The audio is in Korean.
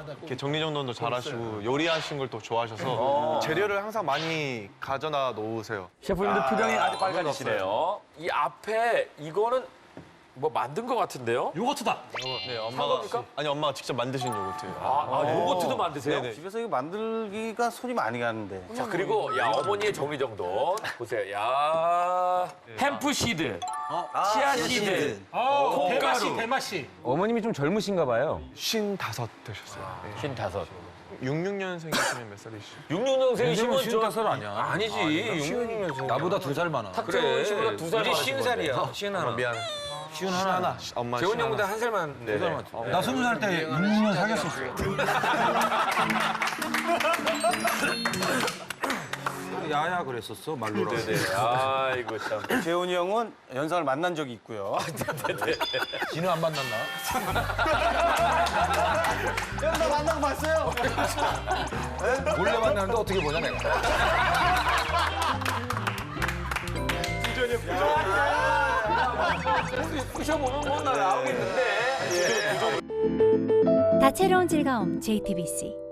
이렇게 정리정돈도 잘하시고 요리하신 걸 또 좋아하셔서 재료를 항상 많이 가져다 놓으세요. 셰프님도 표정이 아주 빨개지시네요. 이 앞에 이거는 뭐 만든 것 같은데요? 요거트다. 네, 겁니까? 엄마가 직접 만드신 요거트예요. 요거트도 만드세요? 네네. 집에서 이거 만들기가 손이 많이 가는데. 자, 그리고 야 어머니의 정리정돈 보세요. 야 햄프 시드, 치아 시드, 콩가루. 대마씨, 대마씨. 어머님이 좀 젊으신가 봐요. 55 되셨어요. 네. 55. 66년생이시면 몇 살이시죠? 66년생이시면 55살 아니야. 아니지. 66년생. 나보다 2살 많아. 탁재훈 씨보다 2살 많으신 50살이야. 쉬운 하나. 미안해. 쉬운 하나. 엄마 재훈 형보다 시원하. 한 살만. 네네. 나 20살 때 6년 사귀었었어. 야야 그랬었어 말로라. 아이고 참. 재훈이 형은 연상을 만난 적이 있고요. 지는 안 만났나? 형, 나 만나고 봤어요. 몰래 만났는데 어떻게 보냐 내가. 부셔보면 뭐 나 나오고 있는데. 다채로운 즐거움 JTBC